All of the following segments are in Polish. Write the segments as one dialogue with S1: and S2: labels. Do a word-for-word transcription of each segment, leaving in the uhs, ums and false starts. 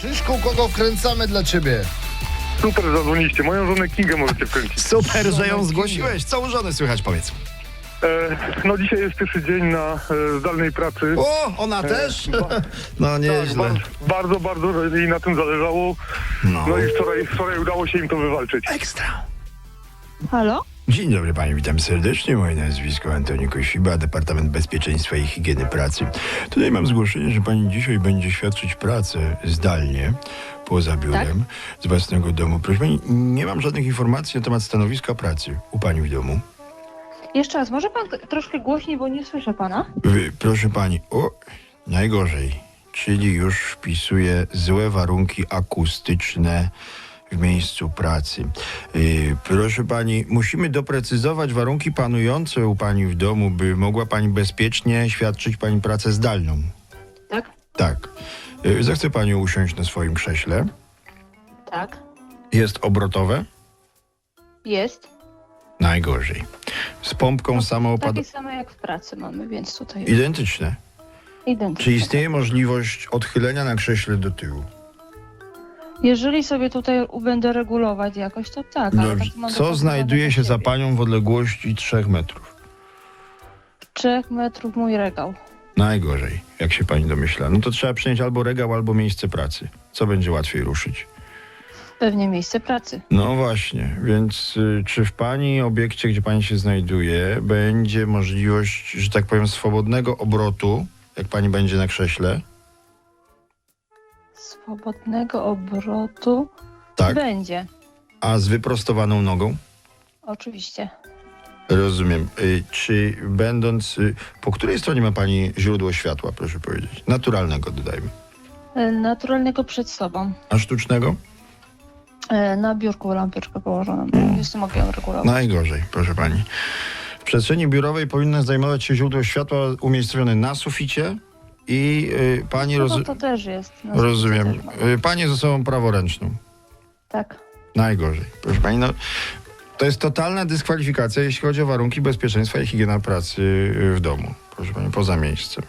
S1: Krzyszku, kogo wkręcamy dla ciebie?
S2: Super, zadzwoniliście. Moją żonę Kingę możecie wkręcić.
S3: Super, że ją zgłosiłeś. Co u żony słychać, powiedz.
S2: E, no dzisiaj jest pierwszy dzień na e, zdalnej pracy.
S3: O, ona też?
S2: ba-
S3: No
S2: Tak,
S3: nieźle.
S2: bardzo, bardzo, bardzo jej na tym zależało.
S3: No.
S2: No i wczoraj, wczoraj udało się im to wywalczyć.
S3: Ekstra.
S4: Halo?
S3: Dzień dobry pani, witam serdecznie. Moje nazwisko Antoni Kosiba, Departament Bezpieczeństwa i Higieny Pracy. Tutaj mam zgłoszenie, że pani dzisiaj będzie świadczyć pracę zdalnie, poza biurem, z własnego domu. Proszę pani, nie mam żadnych informacji na temat stanowiska pracy u pani w domu.
S4: Jeszcze raz, może pan troszkę głośniej, bo nie słyszę pana?
S3: Wy, proszę pani, o, najgorzej, czyli już wpisuję złe warunki akustyczne w miejscu pracy. Yy, proszę pani, musimy doprecyzować warunki panujące u pani w domu, by mogła pani bezpiecznie świadczyć pani pracę zdalną.
S4: Tak?
S3: Tak. Yy, zechce pani usiąść na swoim krześle.
S4: Tak.
S3: Jest obrotowe?
S4: Jest.
S3: Najgorzej. Z pompką samoopadową.
S4: Takie same jak w pracy mamy, więc tutaj
S3: Identyczne.
S4: identycznie.
S3: Czy istnieje możliwość odchylenia na krześle do tyłu?
S4: Jeżeli sobie tutaj będę regulować jakoś, to tak. ale
S3: Dobrze.
S4: tak mam
S3: Co
S4: dopasowane
S3: znajduje
S4: do
S3: się za
S4: siebie.
S3: panią w odległości trzech metrów?
S4: Trzech metrów mój regał.
S3: Najgorzej, jak się pani domyśla. No to trzeba przyjąć albo regał, albo miejsce pracy. Co będzie łatwiej ruszyć?
S4: Pewnie miejsce pracy.
S3: No właśnie, więc y, czy w pani obiekcie, gdzie pani się znajduje, będzie możliwość, że tak powiem, swobodnego obrotu, jak pani będzie na krześle?
S4: Swobodnego obrotu
S3: Tak.
S4: będzie.
S3: A z wyprostowaną nogą?
S4: Oczywiście.
S3: Rozumiem. Y, czy będąc... Y, po której stronie ma pani źródło światła, proszę powiedzieć? Naturalnego, dodajmy.
S4: E, Naturalnego przed sobą.
S3: A sztucznego?
S4: E, Na biurku lampeczkę położoną. Jeszcze mogę ją regulować.
S3: Najgorzej, proszę pani. W przestrzeni biurowej powinno zajmować się źródło światła umiejscowione na suficie i y, pani...
S4: No
S3: Roz...
S4: to, to też jest. Na
S3: Rozumiem.
S4: suficie też mam.
S3: Y, pani z osobą praworęczną.
S4: Tak.
S3: Najgorzej. Proszę pani, no... To jest totalna dyskwalifikacja, jeśli chodzi o warunki bezpieczeństwa i higiena pracy y, w domu. Proszę pani, poza miejscem.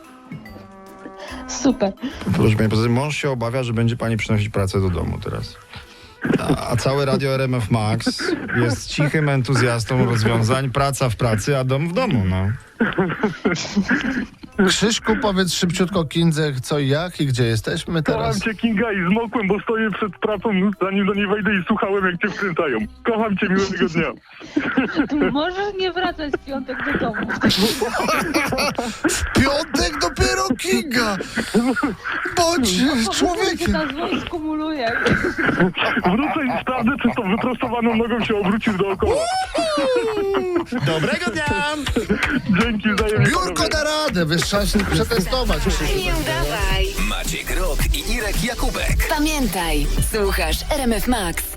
S4: Super.
S3: Proszę pani, poza tym mąż się obawia, że będzie pani przynosić pracę do domu teraz. A, a całe radio R M F Max jest cichym entuzjastą rozwiązań, praca w pracy, a dom w domu, no.
S1: Krzyszku, powiedz szybciutko Kindze, co i jak i gdzie jesteśmy
S2: Kocham
S1: teraz.
S2: cię, Kinga, i zmokłem, bo stoję przed pracą, zanim do niej wejdę i słuchałem, jak cię wkręcają. Kocham cię, miłego dnia.
S4: Możesz nie wracać w piątek do domu.
S1: Piątek dopiero Kinga! Bądź człowiekiem!
S4: Ta złość skumuluje.
S2: Wrócę i sprawdzę, czy z tą wyprostowaną nogą się obrócisz dookoła.
S3: Dobrego dnia!
S2: Dzięki, wzajemnie.
S1: Biurko da radę, wiesz, trzeba się przetestować.
S5: Nie udawaj.
S6: Maciek Rok i Irek Jakubek.
S5: Pamiętaj, słuchasz R M F Max.